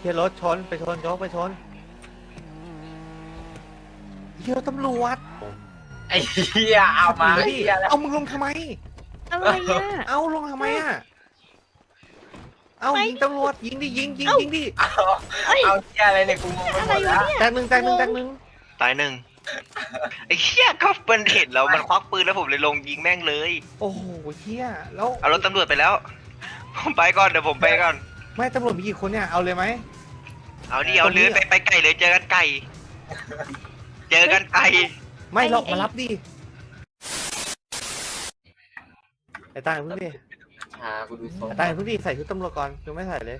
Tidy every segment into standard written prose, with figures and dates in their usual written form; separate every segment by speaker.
Speaker 1: ฮียรถชนไปชนโจ๊กไปชนเฮียตำรวจ
Speaker 2: ไอ้เหี้ยเอามา
Speaker 1: ดิ
Speaker 2: เหี้ยแล้ว
Speaker 1: เอามึงลงทำไม
Speaker 3: อะไรอ่ะ
Speaker 1: เอาลงทำไมอ่ะเอา
Speaker 3: ไม่
Speaker 1: ยิงตำรวจยิงดิยิงยิง
Speaker 3: เอ้า
Speaker 1: ยิงดิ
Speaker 2: เอา
Speaker 3: เอ้ย
Speaker 2: เอาเหี้ยอะไรเนี่ยกูงงไปหมดแล้ว
Speaker 1: แตกหนึ่งแตกหนึ่งแตกหนึ่ง
Speaker 4: ตายหนึ่งไอ้เหี้ยก็มันเห็นแล้วมันควักปืนแล้วผมเลยลงยิงแม่งเลย
Speaker 1: โอ้โหเฮียแล้ว
Speaker 4: เอารถตำรวจไปแล้ว ผมไปก่อนเดี๋ยวผมไปก่อน
Speaker 1: ไม่ตำรวจมีกี่คนเนี่ยเอาเลยไหม
Speaker 4: เอาดิเอาเลยไปไก่เลยเจอกันไก่ เจอกันไก่
Speaker 1: ไม่หรอกมารับดิไอ้ตายพึ่งดิ
Speaker 2: ชากูดูทรง
Speaker 1: ไอ้ตายพึ่งดิใส่ชุดตำรวจก่อนยังไม่ใส่เลย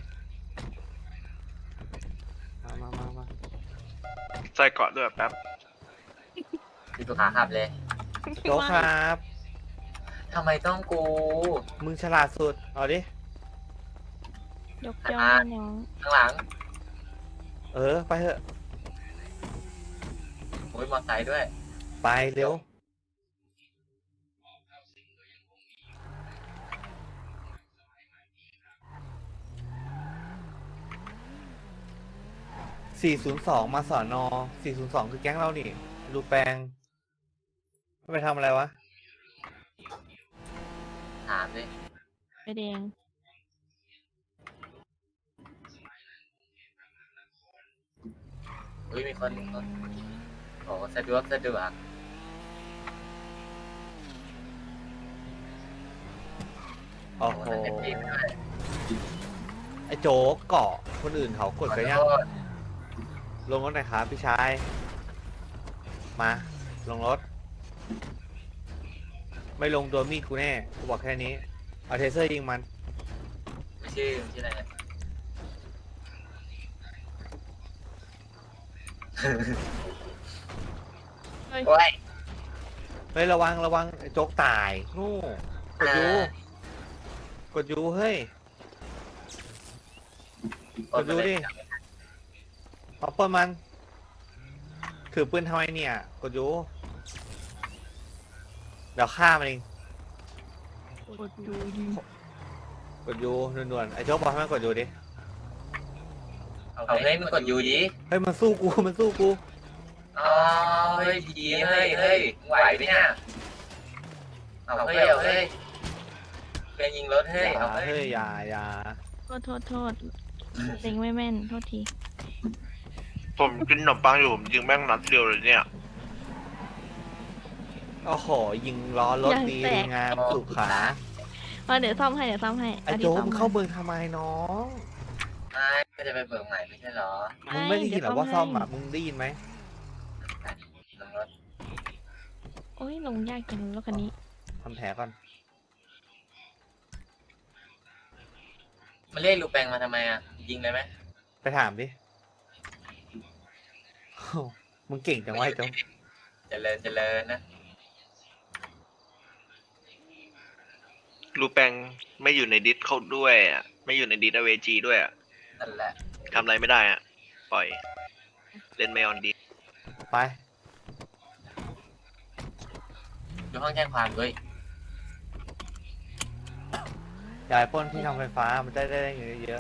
Speaker 1: มา
Speaker 4: ใส่เกาะด้วยแป๊บ
Speaker 2: ดูตัวขาขับเลย
Speaker 1: โจ๊กครับ
Speaker 2: ทำไมต้องกู
Speaker 1: มึงฉลาดสุดเอาดิ
Speaker 3: ยกย่องน้อง
Speaker 2: ข้างหลัง
Speaker 1: ไปเถอะ
Speaker 2: โอ้ยมอไซค์ด้วย
Speaker 1: ไปเร็ว402มาสอนอ402คือแก๊งเรานี่รูแปงไปทำอะไรวะ
Speaker 2: ถามดิ
Speaker 3: ไปแดง
Speaker 2: อุ้ยมีคนโอ้สะดวกสะดวก
Speaker 1: โอ้โห
Speaker 2: โอ้สะดวกด้วย
Speaker 1: ไอ้โจ๊กเกาะคนอื่นเขากดกันยัง
Speaker 2: ขอโทษ
Speaker 1: ลงรถหน่อยครับพี่ชายมาลงรถ ไม่ลงโดนมีดกูแน่กูบอกแค่นี้เอาเทเซอร์ยิงมัน
Speaker 2: ไม่ชื่ออะไรนะ
Speaker 3: เฮ้ย
Speaker 2: โอ้ย
Speaker 1: เฮ้ยระวังไอ้โจ๊กตายนู่กดยูกดยูเฮ้ยกดยูดิเอาปืนมันถือปืนทำไมเนี่ยกดยูเดี๋ยวฆ่ามันเอง
Speaker 3: กดดูยิง
Speaker 1: กดยูด่วนๆไอ้โจ๊กบอกให้มันกดยูดิ
Speaker 2: เอาเฮ้ยมึงกดยูดิ
Speaker 1: เฮ้ยมันสู้กูมันสู้กู
Speaker 2: อ๋อเฮ้ยดีเฮ้ยเฮ้ยมึงไหวไหมเนี่ยเอาเฮ้ยเอาเฮ้ยเป็นยิงรถเฮ้ย
Speaker 1: อย่า
Speaker 2: เอาเฮ้
Speaker 1: เฮ้ย
Speaker 2: ย
Speaker 1: อย่า
Speaker 3: โทษเล็งไม่แม่นโทษที
Speaker 4: ผมกินขนมปังอยู่ผมยิงแม่งนัดเดียวเลยเนี่ย
Speaker 1: โอ้โหยิงล้อรถดีงามสุขขา
Speaker 3: เดี๋ยวซ่อมให้
Speaker 1: ไอ้โจ๊กมึงเข้าเมืองทำไมน้อง
Speaker 2: ไม่ก็จะไปเบิกใหม่ไม่ใช่เหรอ
Speaker 1: มึงไม่ได้ยินเหรอว่าซ่อมอ่ะมึงได้ยินไหม
Speaker 2: ลงรถ
Speaker 3: โอ้ยลงยากจังรถคันนี้
Speaker 1: ทำแผลก่อน
Speaker 2: มาเรียกลูกแปงมาทำไมอ่ะยิงเลยไหม
Speaker 1: ไปถามดิโอ้มึงเก่งจังวะไอ้โจ๊ก
Speaker 2: เจริญนะ
Speaker 4: รูแปงไม่อยู่ในดิสเขาด้วยอ่ะไม่อยู่ในดิสอเวจีด้วยอ่ะ
Speaker 2: นั่นแหละ
Speaker 4: ทำอะไรไม่ได้อ่ะปล่อยเล่นไม่ออนดิส
Speaker 1: ไป
Speaker 2: ดูห้องแจ้งความด้วย
Speaker 1: อย่าไปปล้นที่ทำไฟฟ้ามันได้เงินเยอะ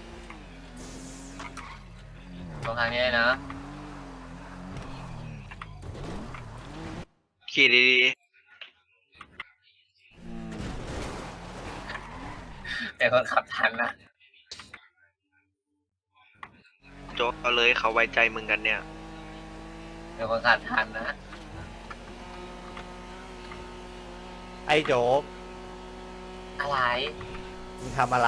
Speaker 2: ตรงทางนี้นะ
Speaker 4: ขี่ดี
Speaker 2: แต่คนขับทันนะ
Speaker 4: ๆโจ๊กเอาเลยเขาไว้ใจมึงกันเนี่ย
Speaker 2: แต่คนขับทันนะ
Speaker 1: ไอ้โจ๊ก
Speaker 2: อะไร
Speaker 1: มึงทำอะไร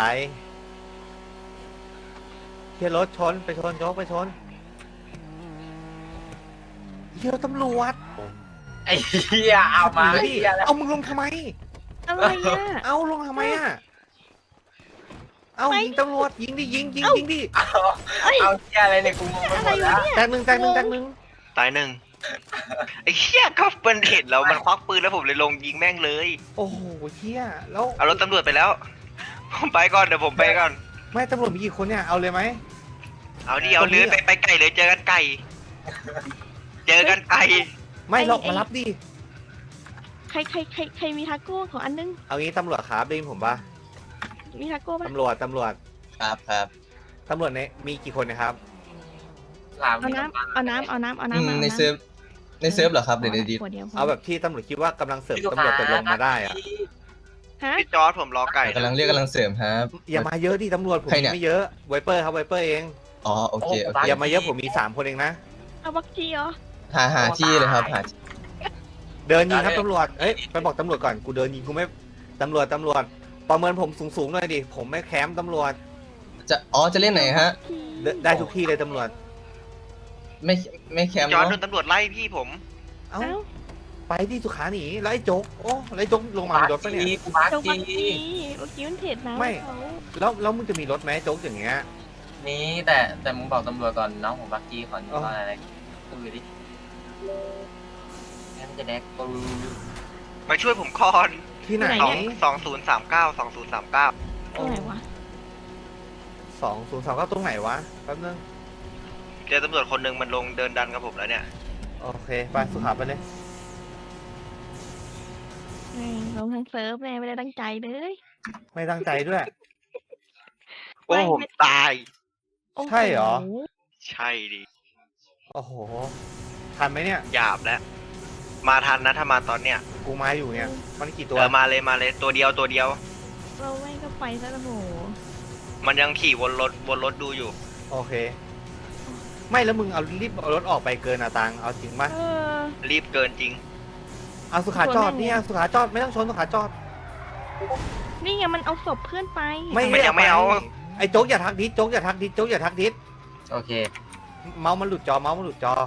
Speaker 1: เฮียรถชนไปชนโจ๊กไปชนเฮียตำรวจ
Speaker 2: ไอ้เหี้ยเอามา
Speaker 1: ดิ
Speaker 2: เหี้ยแล้ว
Speaker 1: เอามึงลงทำไม
Speaker 3: อะไรอ่ะ
Speaker 1: เอาลงทำไมอ่ะเอา
Speaker 3: ไม่
Speaker 1: ยิงตำรวจยิงดิยิงดิ
Speaker 2: เอาเหี้ยอะไรเนี่ยกูงงไปหมดแล้ว
Speaker 1: แตกหนึ่ง
Speaker 4: ตายหนึ่งไอ้เหี้ยก็มันเห็นแล้วมันควักปืนแล้วผมเลยลงยิงแม่งเลย
Speaker 1: โอ้โหเฮียแล้ว
Speaker 4: เอารถตำรวจไปแล้ว ผมไปก่อนเดี๋ยวผมไปก่อน
Speaker 1: ไม่ตำรวจมีกี่คนเนี่ยเอาเลยไหม
Speaker 4: เอาดิเอาเลยไปไก่เลยเจอกันไก่ เจอกันไก่
Speaker 1: ไม่หรอกมารับดิ
Speaker 3: ใครมีทาโก้ของอันนึง
Speaker 1: เอางี้ตำรวจครับได้ยินผมปะ
Speaker 3: มีทาโก้ปะ
Speaker 1: ตำรวจ
Speaker 2: ครับครับ
Speaker 1: ตำรวจในมีกี่คนนะครับ
Speaker 2: ถาม
Speaker 3: เอาน้ำเอาน้ำเอาน้ำเอาน้ำมา
Speaker 5: ในเซิร์ฟเหรอครับเดี๋ยวดี
Speaker 3: ขวดเดียวพ
Speaker 1: เอาแบบที่ตำรวจคิดว่ากำลังเสริมตำรวจจะลงมาได้อะ
Speaker 3: ฮะ
Speaker 4: พี่จอร์ดผมรอไก่
Speaker 5: กำลังเรียกกำลังเสริมครับ
Speaker 1: อย่ามาเยอะดิตำรวจผม
Speaker 5: ใครเนี่ย
Speaker 1: ไม่เยอะไวเปอร์ครับไวเปอร์เอง
Speaker 5: อ๋อโอเคโอเค
Speaker 1: อย่ามาเยอะผมมี3 คนเองนะ
Speaker 3: เอาบักจีเหรอ
Speaker 5: หาที่เลยครับหาที่
Speaker 1: เดินยิงครับตำรวจเอ้ยไปบอกตำรวจก่อนกูเดินยิงกูไม่ตำรวจประเมินผมสูงๆหน่อยดิผมไม่แคมป์ตำรวจ
Speaker 5: จะเล่นไหนฮะ
Speaker 1: ได้ทุกที่เลยตำรวจ
Speaker 5: ไม่แคมป์
Speaker 4: จอร์ดโด
Speaker 5: เนาะ
Speaker 4: นตำรวจไล่พี่ผม
Speaker 1: เอ้า
Speaker 3: เอ้า
Speaker 1: ไปที่สุขาหนีแล้วไอ้โจ๊กโอ้แล้วไอ้โจ๊กลงมามีรถปะเนี่ย
Speaker 2: กูบัก
Speaker 3: เจ้าบัก
Speaker 2: จี
Speaker 3: จีเมื่อกี้มันเผ็ดนะ
Speaker 1: ไม่
Speaker 3: เขา
Speaker 1: แล้วมึงจะมีรถไหมโจ๊กอย่างเงี้ย
Speaker 2: นี่แต่มึงบอกตำรวจก่อนน้องผมบักจีก่อนว่าอะไรพูดดิงั้นจะแดกกู
Speaker 4: มาช่วยผมก่อน
Speaker 1: ที่ไหน
Speaker 4: 2039
Speaker 3: ตรงไหนวะ
Speaker 1: 2039ตรงไหนวะแป๊บนึง
Speaker 4: เจอตำรวจคนหนึ่งมันลงเดินดันกับผมแล้วเนี่ย
Speaker 1: โอเคไปสุขาไปเลย
Speaker 3: ลงทั้งเซิร์ฟเลยไม่ได้ตั้งใจเลย
Speaker 1: ไม่ตั้งใจด้วย
Speaker 4: โอ้ผมตาย
Speaker 3: โอ้โ
Speaker 1: ใช่เหรอ
Speaker 4: ใช่ดิ
Speaker 1: โอ้โหทันไหมเนี่ย
Speaker 4: หยาบแล้ว มาทันนะถ้ามาตอนเนี้ย
Speaker 1: กูมาอยู่เนี่ยมันกี่ตัว
Speaker 4: มาเลยตัวเดียว
Speaker 3: เราแม่งก็ไปซะแล้วโห
Speaker 4: มันยังขี่วนรถดูอยู่
Speaker 1: โอเค ไม่แล้วมึงเอารีบเอารถออกไปเกินอะตังเอาจริงปะ
Speaker 3: เออ
Speaker 4: รีบเกินจริง
Speaker 1: เอาสุขาจอดเนี่ยสุขาจอดไม่ต้องชนสุขาจอด
Speaker 3: นี่ไงมันเอาศพเพื่อนไป
Speaker 4: มันยังไม่เอา
Speaker 1: ไอ้โจ๊กอย่าทักดิสโจ๊กอย่าทักดิสโจ๊กอย่าทักดิส
Speaker 2: โอเค
Speaker 1: เมาส์มันหลุดจอเมาส์มันหลุดจอ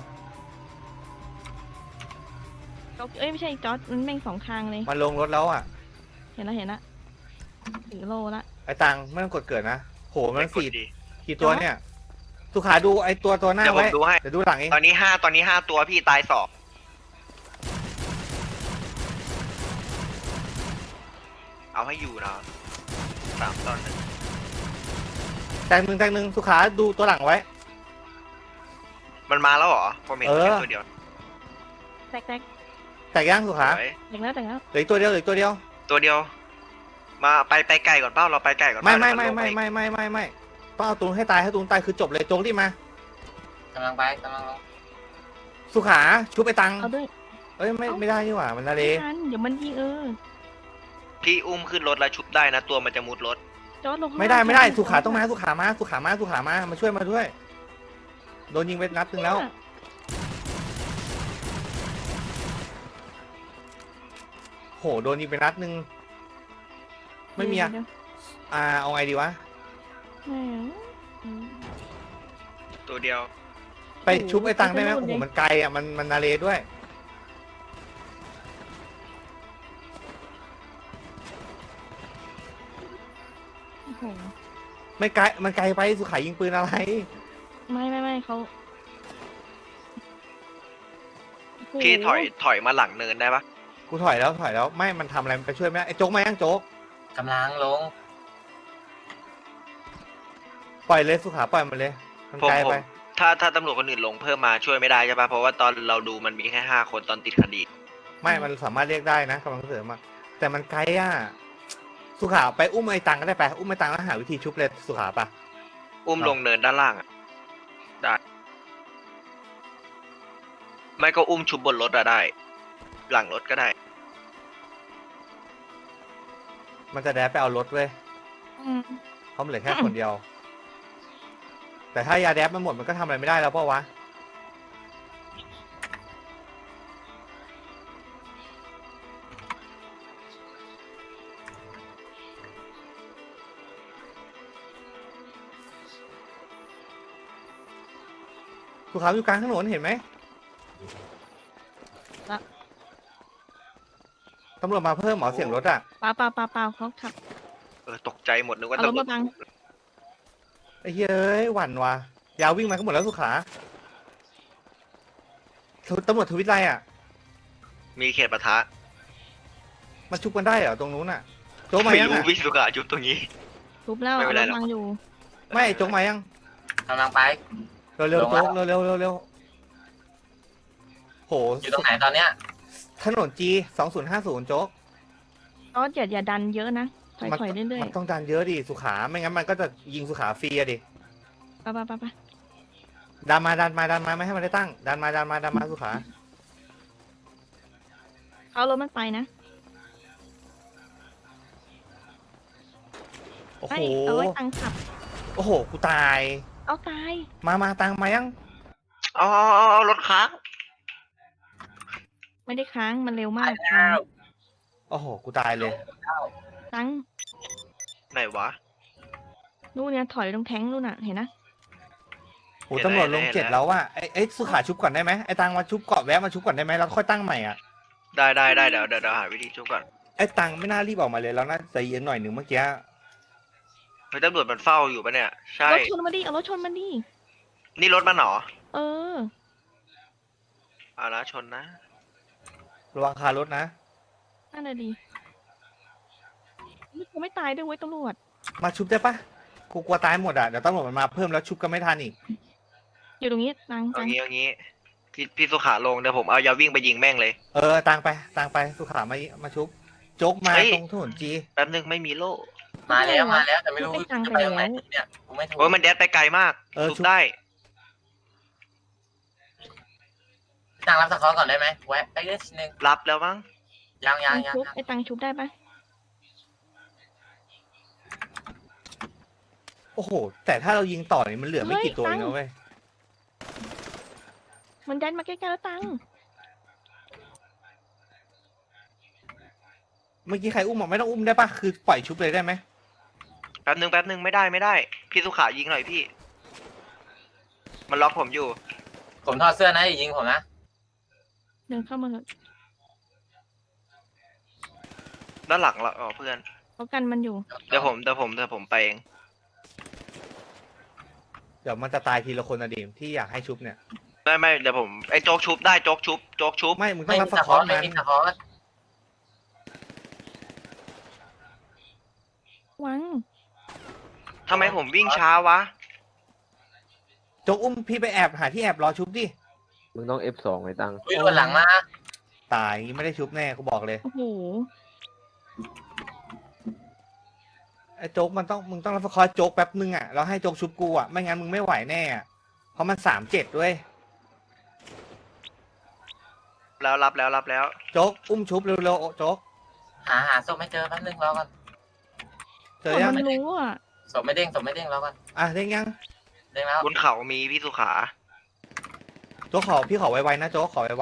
Speaker 3: เอ้ยไม่ใช่จอร์ดมันแม่งสองทางเลย
Speaker 1: มันลงรถแล้วอ่ะ
Speaker 3: เห็นละถือโลละ
Speaker 1: ไอ้ตังไม่ต้องกดเกิดนะโหมัน
Speaker 4: ไม่กด
Speaker 1: สี่
Speaker 4: ดี
Speaker 1: กี่ตัวเนี่ย สุขาดูไอ้ตัวหน้า
Speaker 4: เดี๋ยวผม
Speaker 1: ไว้
Speaker 4: ดูให้
Speaker 1: เดี๋ยวดูหลังเอง
Speaker 4: ตอนนี้ห้าตัวพี่ตาย2เอาให้อยู่นะ3 ตอน
Speaker 1: แตงหนึ่งสุขาดูตัวหลังไว้
Speaker 4: มันมาแล้วเหรอผมเห็น
Speaker 1: เออ
Speaker 4: แค่ตัวเดียว
Speaker 3: แตก
Speaker 1: แต่ย่างสุขา
Speaker 4: สวย
Speaker 3: แตกแล้ว
Speaker 1: เหลืออกตัวเดียวเหลืออกตัวเดียว
Speaker 4: ตัวเดียว มาไปไกลก่อนเป้าเราไปไกลก่อน
Speaker 1: ไม่
Speaker 4: เปล่าเดี๋ยวนลงป
Speaker 1: ไม่ต้องเอาตูนให้ตายให้ตูนตายคือจบเลยโจ๊กรีบมา
Speaker 2: กำลังไปกำลังลง
Speaker 1: สุขาชุบไปตัง
Speaker 3: เอาด้วย
Speaker 1: เอ้ยไม่ได้นี่หว่ามันละเล
Speaker 3: ไม่ทันเดี๋ยวมันยิง
Speaker 4: พี่อุ้มขึ้นรถแล้วชุบได้นะตัวมันจะมุดรถ
Speaker 3: จอร์ดลงข้าง
Speaker 1: ไม่ได้
Speaker 3: ล่าง
Speaker 1: สุขาต้องมาสุขามาช่วยมาด้วยโดนยิงไปนัดหนึงแล้ว โหโดนยิงไปนัดหนึงไม่มีอะ
Speaker 3: เดี๋ยว
Speaker 1: เอาไงดีวะ
Speaker 4: ตัวเดียว
Speaker 1: ไปชุบไอ้ตังได้ไหมโอ้โหมันไกลอ่ะมันนาเลด้วย
Speaker 3: โอ้โห
Speaker 1: ไม่ไกลมันไกลไปสุขายิงปืนอะไร
Speaker 3: ไม่เขาโอ้โห
Speaker 4: พี่ถอยมาหลังเนินได้ปะ
Speaker 1: กูถอยแล้วไม่มันทำอะไรมันไปช่วยไม่ได้ไอ้โจ๊กมายังโจ๊ก
Speaker 2: กำลังลง
Speaker 1: ปล่อยเลยสุขาปล่อยมันเลยมันไกลไป
Speaker 4: ถ้าตำรวจคนอื่นลงเพิ่มมาช่วยไม่ได้ใช่ปะเพราะว่าตอนเราดูมันมีแค่5 คนตอนติดคดี
Speaker 1: ไม่มันสามารถเรียกได้นะกำลังเสริมอะแต่มันไกลอ่ะสุขาไปอุ้มไอ้ตังก็ได้ไปอุ้มไอ้ตังแล้วหาวิธีชุบเลยสุขาปะ
Speaker 4: อุ้มลงเนินด้านล่างอะได้ ไม่ก็อุ้มชุบบนรถอะได้ หลังรถก็ได้
Speaker 1: มันจะแดดไปเอารถเว้ย
Speaker 3: อืม
Speaker 1: เพราะมันเหลือแค่คนเดียว แต่ถ้ายาแดดมันหมดมันก็ทำอะไรไม่ได้แล้วเปล่าวะสุขาอยู่กลางถนนเห็นไหมตำรวจมาเพิ่มหมอเสียงรถอ่ะ
Speaker 3: เปล่าเขาขับ
Speaker 4: ตกใจหมดนึกว่า
Speaker 3: เอารถ
Speaker 4: ตำรวจ
Speaker 3: มาบัง
Speaker 1: ไอ้เฮ้ยหวั่นว่ะยาววิ่งมาก็หมดแล้วสุขาตำรวจทวิตไรอ่ะ
Speaker 4: มีเขตปะทะ
Speaker 1: มาชุบกันได้เหรอตรงนู้นอ่ะ โจ๊กมา
Speaker 4: ไม่
Speaker 1: ยัง
Speaker 4: รู้
Speaker 1: อ่ะ
Speaker 4: วิสุกะจุดตรงนี้
Speaker 3: ทุบแล้ว
Speaker 4: ไม่
Speaker 3: เอา
Speaker 4: เป็น
Speaker 3: ร
Speaker 4: ไร
Speaker 3: ถ
Speaker 4: หรอก
Speaker 3: บังอยู่
Speaker 1: ไม่โจ๊กมายัง
Speaker 2: กำลังไป
Speaker 1: เร็ว
Speaker 2: ล
Speaker 1: ๆ
Speaker 2: ง
Speaker 1: โจ๊
Speaker 2: แล้
Speaker 1: ก
Speaker 2: ว
Speaker 1: เร็วโห
Speaker 2: อยู่ตรงไหนตอนเนี้ย
Speaker 1: ถนน G 2050โจ๊ก
Speaker 3: จอร์ดอย่าดันเยอะนะถอย
Speaker 1: มัน
Speaker 3: เรื่อย
Speaker 1: มันต้องดันเยอะดิสุขาไม่งั้นมันก็จะยิงสุขาฟรีอะดิ
Speaker 3: ไป
Speaker 1: ดันมาไม่ให้มันได้ตั้งดันมาสุขา
Speaker 3: เอารถมันไปนะ
Speaker 1: โอ้
Speaker 3: ไอ้
Speaker 1: โห
Speaker 3: เอาไว้ตังขับ
Speaker 1: โอ้โหกูตาย
Speaker 3: เอาตาย
Speaker 1: มาตังมายัง
Speaker 4: เอารถค้าง
Speaker 3: ไม่ได้ค้างมันเร็วมาก
Speaker 2: แล้ว
Speaker 1: โอ้โหกูตายเลย
Speaker 3: ตัง
Speaker 4: ไหนวะ
Speaker 3: นู่นเนี่ยถอยตรงแท้งนู่นน่ะเห็นนะ
Speaker 1: โหตำรวจลง
Speaker 4: เห็นแล้ว
Speaker 1: 7แล้วว่ะไอ้สุขาชุบก่อนได้ไหมไอ้ตังมาชุบเกาะแวะมาชุบก่อนได้ไหมแล้วค่อยตั้งใหม่อ่ะ
Speaker 4: ได้เดี๋ยวหาวิธีชุบก่อน
Speaker 1: ไอ้ตังไม่น่ารีบออกมาเลยแล้วน่าใจเย็นหน่อยหนึ่งเมื่อกี้
Speaker 4: เฮ้ยตำรวจมันเฝ้าอยู่ปะเนี่ย ใช่
Speaker 3: รถชนมาดิเอารถชนมาดิ
Speaker 4: นี่รถมันเหรอ
Speaker 3: เออ
Speaker 4: เอาละชนนะ
Speaker 1: ระวังคารถนะ
Speaker 3: นั่นน่ะดิไม่ตายด้วยเว้ยตำรวจ
Speaker 1: มาชุบได้ปะกูกลัวตายหมดอ่ะเดี๋ยวตำรวจมันมาเพิ่มแล้วชุบก็ไม่ทันอีก
Speaker 3: อยู่ตรงนี้ตัง
Speaker 4: เอางี้พี่สุขาลงเดี๋ยวผมเอายาวิ่งไปยิงแม่งเลย
Speaker 1: ตังไปสุขามาชุบโจ๊กมา
Speaker 4: เฮ้ย
Speaker 1: ตรงถนนจี
Speaker 4: แป๊บนึงไม่มีโล่
Speaker 2: มาแล้วแต่ไม่รู้จะไปตรงไหนเนี่ยกูไม่ถูก
Speaker 4: โอ้ยมันแดดไปไกลมากชุบได้
Speaker 2: ตังรับสกอร์ก่อนได้ไหมแวะไปนิดนึง
Speaker 4: รับแล้วมั้ง
Speaker 2: ยัง
Speaker 3: ชุบไอ้ตังชุบได้ปะ
Speaker 1: โอ้โหแต่ถ้าเรายิงต่อนี่มันเหลือไม่กี่ตัวเองนะเว้ย
Speaker 3: มันดันมาใกล้ๆแล้วตัง
Speaker 1: เมื่อกี้ใครอุ้มบอกไม่ต้องอุ้มได้ปะคือปล่อยชุบเลยได้ไหม
Speaker 4: แป๊บนึงไม่ได้พี่สุขายิงหน่อยพี่ มันล็อกผมอยู่
Speaker 2: ผมถอดเสื้อนะยิงผมนะ
Speaker 3: เดินเข้ามาเลย
Speaker 4: ด้านหลังเราอ๋อเพื่อน
Speaker 3: เขากันมันอยู่
Speaker 4: เดี๋ยวผมไปเอง
Speaker 1: เดี๋ยวมันจะตายทีละคนนะดิมที่อยากให้ชุบเนี่ย
Speaker 4: ไม่เดี๋ยวผมไอ้โจ๊กชุบได้โจ๊กชุบ
Speaker 1: ไม่มึงต้อ
Speaker 2: ไม่
Speaker 1: ง
Speaker 2: มี
Speaker 1: รับส
Speaker 2: ส
Speaker 1: ก
Speaker 2: ก
Speaker 1: อ
Speaker 2: อ
Speaker 1: ร์
Speaker 2: ร์ไม่
Speaker 1: มัน
Speaker 2: มีสกอร์
Speaker 3: วัง
Speaker 4: ทำไมผมวิ่งช้าวะ
Speaker 1: โจ๊กอุ้มพี่ไปแอบหาที่แอบรอชุบดิ
Speaker 6: มึงต้อง F2 ไว้ตังค์
Speaker 2: อุ้ยโดนหลังมา
Speaker 1: ตายไม่ได้ชุบแน่กูบอกเลย
Speaker 3: โอ้โห
Speaker 1: ไอ้โจ๊กมึงต้องรับสกอร์โจ๊กแป๊บนึงอ่ะแล้วให้โจ๊กชุบกูอ่ะไม่งั้นมึงไม่ไหวแน่อะเพราะมัน3-7ด้วย
Speaker 4: แล้วรับแล้ว
Speaker 1: โจ๊กอุ้มชุบเร็วๆโจ๊ก
Speaker 2: หาศพไม่เจอแป๊บนึงรอก่อน
Speaker 1: เจอยัง
Speaker 3: มันรู้อ่ะ
Speaker 2: ศพไม่เด้งรอก่อน
Speaker 1: เด้งยัง
Speaker 2: เด้งแล้ว
Speaker 4: บนเขามีพี่สุขา
Speaker 1: โจ๊กพี่ขอไวๆนะโจ๊กขอไว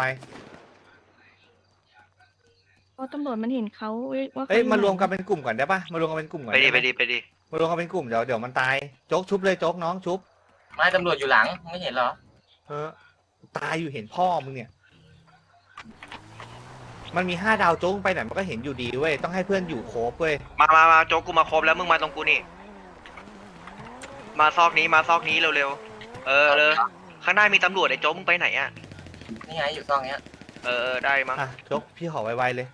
Speaker 3: เพราะตำรวจมันเห็นเขาว่า
Speaker 1: ๆเอ้ยมารวมกันเป็นกลุ่มก่อนได้ปะมารวมกันเป็นกลุ่มก่อน
Speaker 4: ไปดิ
Speaker 1: หมมารวมกันเป็นกลุ่มเดี๋ยวมันตายโจ๊กชุบเลยโจ๊กน้องชุบ
Speaker 2: ไม่ตำรวจอยู่หลังไม่เห็นเหรอ
Speaker 1: ตายอยู่เห็นพ่อมึงเนี่ย มันมี5 ดาวโจ๊กไปไหนมันก็เห็นอยู่ดีเว้ยต้องให้เพื่อนอยู่โคบเว้ย
Speaker 4: มาโจ๊กกูมาครบแล้วมึงมาตรงกูนี่ มาซอกนี้เร็วๆเลยข้างหน้ามีตำรวจไอ้โจ๊กมึงไปไหนอ่ะ
Speaker 2: นี่ไงอยู่ซองเนี้ย
Speaker 4: ได้มั้ง
Speaker 1: โจ๊กพี่ขอไวๆเลย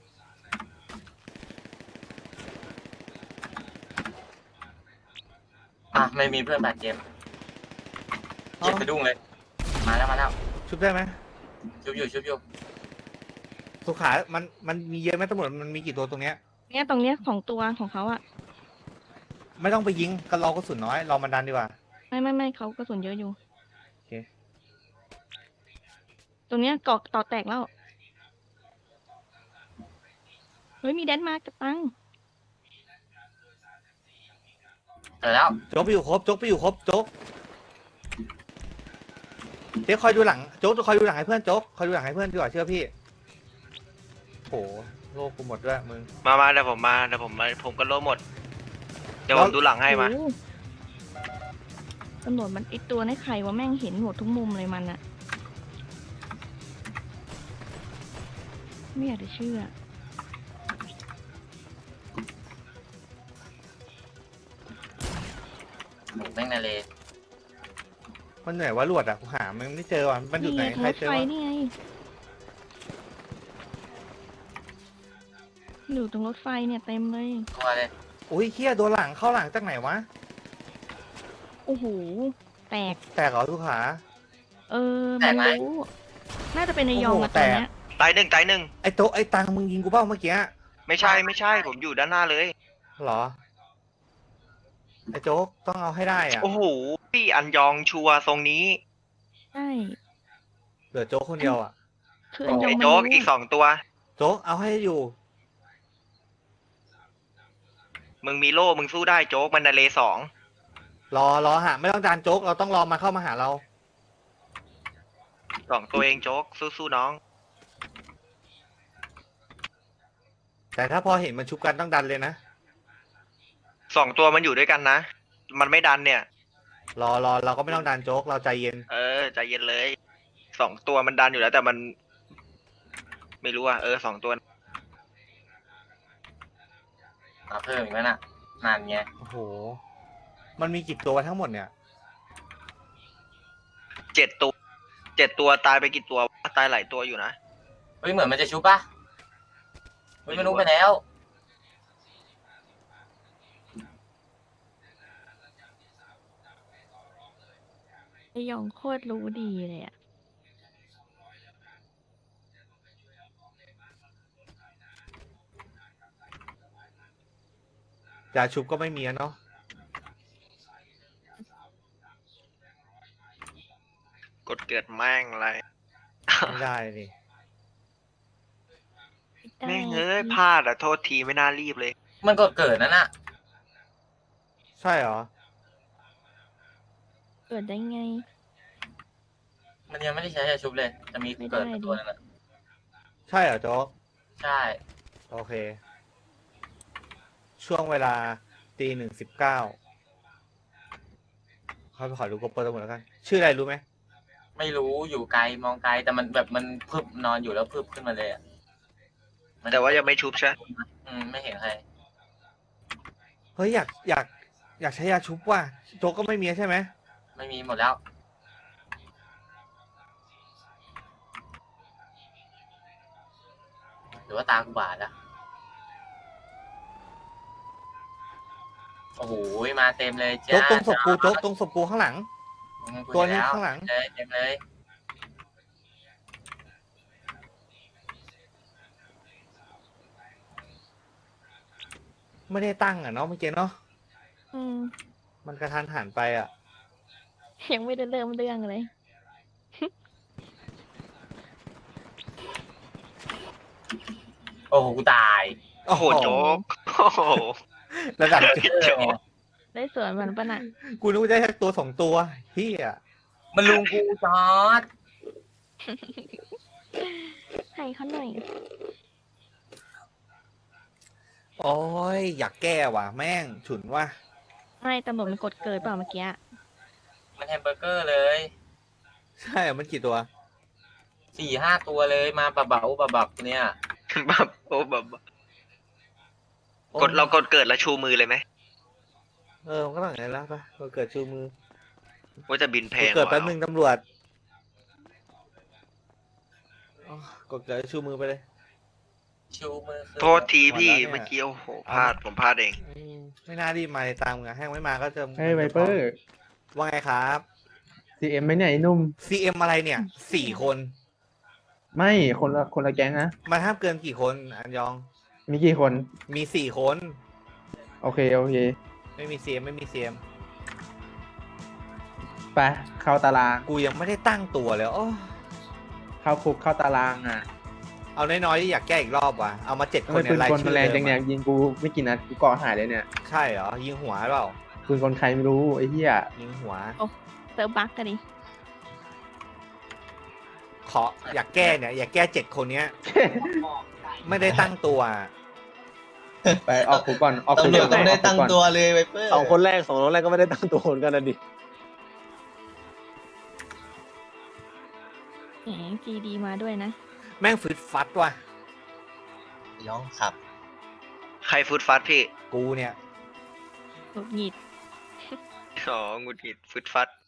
Speaker 2: ไม่มีเพื่อนบาดเจ็บเจ็บสะดุ้งเลยมาแล้ว
Speaker 1: ชุบได้ไหม
Speaker 2: ชุบอยู่
Speaker 1: สุขามันมีเยอะไหมตำรวจมันมีกี่ตัวตรงเนี้ย
Speaker 3: เนี่ยตรงเนี้ยของตัวของเขาอ่ะ
Speaker 1: ไม่ต้องไปยิงกันรอกระสุนน้อยรอมันดันดีกว่า
Speaker 3: ไม่เขากระสุนเยอะอยู่
Speaker 1: โอเค
Speaker 3: ตรงเนี้ยเกาะต่อแตกแล้ว เฮ้ยมีแดนมากับตัง
Speaker 2: เจอแล้ว
Speaker 1: โจ๊กไปอยู่ครบโจ๊กเดี๋ยวคอยดูหลังโจ๊กคอยดูหลังให้เพื่อนโจ๊กคอยดูหลังให้เพื่อนดีกว่าเชื่อพี่โหโลกกูหมดด้วยมึง
Speaker 4: มาเดี๋ยวผมก็โลหมด เดี๋ยวผมดูหลังให้มา
Speaker 3: โอ้โหตำรวจมันไอตัวในไข่ว่าแม่งเห็นหมดทุกมุมเลยมันอะไม่อยากจะเชื่อ
Speaker 2: แม่งนาเล
Speaker 1: มันเหนื่อยว่ารวดอ่ะกูหามันไม่เจอว่ะมันอยู่ไหน
Speaker 3: ไง
Speaker 1: ใคร
Speaker 3: รถ
Speaker 1: เจอ
Speaker 3: ไฟ
Speaker 1: วะ
Speaker 3: นี่ไงอยู่ตรงรถไฟเนี่ยเต็มเลย
Speaker 2: ตัวเลย
Speaker 1: อุ้ยเฮียโดนหลังเข้าหลังจากไหนวะ
Speaker 3: โอ้โหแตก
Speaker 1: แตกเหรอทุกขา
Speaker 3: มันรู้น่าจะเป็นในยองอะตอนเนี้ย
Speaker 4: ตายหนึ่ง
Speaker 1: ไอ้โต๊ะไอ้ตังมึงยิงกูเปล่าเมื่อกี้
Speaker 4: ไม่ใช่ ผมอยู่ด้านหน้าเลย
Speaker 1: เหรอไอ้โจ๊กต้องเอาให้ได้อ่ะ
Speaker 4: โอ้โหพี่อันยองชัวร์ทรงนี้
Speaker 3: ใช่
Speaker 1: เหลือโจ๊กคนเดียวอ่ะ
Speaker 3: คืออันยอง
Speaker 4: ไอ้
Speaker 3: มัน
Speaker 4: โจ๊ก
Speaker 3: รู้
Speaker 4: อีกสองตัว
Speaker 1: โจ๊กเอาให้อยู่
Speaker 4: มึงมีโล่มึงสู้ได้โจ๊กมันนาเลสอง
Speaker 1: รอหาไม่ต้องการโจ๊กเราต้องรอมาเข้ามาหาเรา
Speaker 4: สองตัวเองโจ๊กสู้ๆน้อง
Speaker 1: แต่ถ้าพอเห็นมันชุบกันต้องดันเลยนะ
Speaker 4: สองตัวมันอยู่ด้วยกันนะ มันไม่ดันเนี่ย
Speaker 1: รอเราก็ไม่ต้องดันโจ๊กเราใจเย็น
Speaker 4: เออใจเย็นเลยสองตัวมันดันอยู่แล้วแต่มัน ไม่รู้อ่ะสองตัว
Speaker 2: มาเพิ่มอีกแล้วน่ะนานไง
Speaker 1: โอ้โห มันมีกี่ตัวทั้งหมดเนี่ย
Speaker 4: 7 ตัวตายไปกี่ตัววะตายหลายตัวอยู่นะ
Speaker 2: เฮ้ยเหมือนมันจะชุบป่ะเฮ้ยมันรู้ไปแล้ว
Speaker 3: ไอยองโคตรรู้ดีเลยอ่ะ
Speaker 1: ยาชุบก็ไม่มีอะเนาะ
Speaker 4: กดเกิดแม่งอะไร
Speaker 1: ไม่ได้ดิ
Speaker 4: แม่งพลาดอ่ะโทษทีไม่น่ารีบเลย
Speaker 2: มันก็เกิดนั่นน่ะ
Speaker 1: ใช่เหรอ
Speaker 3: เกิดได้ไง
Speaker 2: มันยังไม่ได้ใช้ยาชุบเลย จะมีเกิดเป็นตัวนึงอ่ะ
Speaker 1: ใช่เหรอโจ๊ก
Speaker 2: ใช่
Speaker 1: โอเค ช่วงเวลา1:19เขาไปขอดูกระเป๋าตำรวจแล้วกัน ชื่ออะไรรู้ไหม
Speaker 2: ไม่รู้อยู่ไกลมองไกลแต่มันแบบมันพึบนอนอยู่แล้วพึบขึ้นมาเลยอ่ะมัน
Speaker 4: แต่ว่ายังไม่ชุบใช่
Speaker 2: ไม่เห็นใคร
Speaker 1: เฮ้ยอยากใช้ยาชุบว่ะโจ๊กก็ไม่มีใช่ไหม
Speaker 2: ไม่มีหมดแล้ว หรือว่าตากูบาดอะโอ้โหมาเต็มเลยจ้า
Speaker 1: โจ๊กตรงศพกูโจ๊กตรงศพกูข้างหลัง
Speaker 2: กู
Speaker 1: ตัวนี้
Speaker 2: เห็แ
Speaker 1: ข้างหลัง
Speaker 2: เลยเต็มเลย
Speaker 1: ไม่ได้ตั้งอ่ะเนาะเมื่อกี้เนาะ
Speaker 3: อืม
Speaker 1: มันกระทันหันไปอ่ะ
Speaker 3: ยังไม่ได้เริ่มเรื่องเลย
Speaker 2: โอ้โหกูตาย
Speaker 4: โอ้โหโจ๊กโอ้โห
Speaker 1: ระดับโจ๊ก
Speaker 3: ได้สวนมันปะน่ะ
Speaker 1: กูนึกว่าได้แค่ตัวสองตัวเฮีย
Speaker 2: มันลุงกูจอด
Speaker 3: ให้เขาหน่อย
Speaker 1: โอ้ยอยากแก้ว่ะแม่งฉุนว่ะ
Speaker 3: ไม่ตำรวจมันกดเกิดเปล่าเมื่อกี้
Speaker 2: มันแฮมเบอร์เกอร์เลย
Speaker 1: ใช่เหรอมันกี่ตัว
Speaker 2: 4-5 ตัวเลยมาบะเบาบะบับเนี่ย
Speaker 4: แบบโอ้แบบเรากดเกิดแล้วชูมือเลยไหม
Speaker 1: มันก็ต้องอย่างนั้นแล้วปะเราเกิดชูมือ
Speaker 4: ว่าจะบินแพง
Speaker 1: เกิดแป๊บ
Speaker 4: ว่ะ
Speaker 1: นึงตำรวจอ๋อกดเกิดชูมือไปเลย
Speaker 2: ชูมือขึ้น
Speaker 4: โทษทีพี่
Speaker 1: หมดแล้วเนี่ย
Speaker 4: เมื่อกี้โอ้โหพลาดผมพลาดเอง
Speaker 1: ไม่น่ารีบมาเลยตามงานแห้งไม่มาก็จะ
Speaker 6: เฮ้ยไวเปอร์
Speaker 1: ว่าไงครับ
Speaker 6: CM ไหมเนี่ยไอ้หนุ่ม
Speaker 1: CM อะไรเนี่ย4 คน
Speaker 6: ไม่คนละแก๊งนะ
Speaker 1: มันห้ามเกินกี่คนอันยอง
Speaker 6: มีกี่คน
Speaker 1: มี4 คน
Speaker 6: โอเค
Speaker 1: ไม่มี CM ไม่มี CM
Speaker 6: ไปเข้าตาราง
Speaker 1: กูยังไม่ได้ตั้งตัวเลยโอ้
Speaker 6: เข้าคุกเข้าตารางอ่ะ
Speaker 1: เอาน้อยๆที่อยากแก้อีกรอบว่ะเอามา7 คน
Speaker 6: ปื
Speaker 1: เนี่ย
Speaker 6: น
Speaker 1: ราย
Speaker 6: กล
Speaker 1: ชื่
Speaker 6: มัน
Speaker 1: อ
Speaker 6: แรงจั
Speaker 1: เดิ
Speaker 6: ง
Speaker 1: ม
Speaker 6: เนี่ย
Speaker 1: อะ
Speaker 6: ยิงกูไม่กี่นัดกูก่อหายเลยเนี่ย
Speaker 1: ใช่เหรอยิงหัวเปล่า
Speaker 6: ปืนกลใครไม่รู้ไอ้เหี้ย
Speaker 1: ยิงหัว
Speaker 3: เซิร์ฟบักกันดิ
Speaker 1: ขออยากแก้เนี่ยอยากแก้7 คนเนี้ย ไม่ได้ตั้งตัว
Speaker 6: ไปออกคุกก่อนออกคุก
Speaker 5: ตำรวจต้องได้
Speaker 6: กคุก
Speaker 5: ตั้ง
Speaker 6: ก่อน
Speaker 5: ตัวเลยไวเปอร์
Speaker 7: สองคนแรกก็ไม่ได้ตั้งตัวเหมือนกันนะดิ
Speaker 3: แหม GD มาด้วยนะ
Speaker 1: แม่งฟึดฟัดว่ะ
Speaker 5: ย้องขับ
Speaker 4: ใครฟุตฟัดพี่
Speaker 1: กูเนี่ย
Speaker 3: หงุดหงิด
Speaker 4: อ๋อหงุดหงิดฟุตฟัด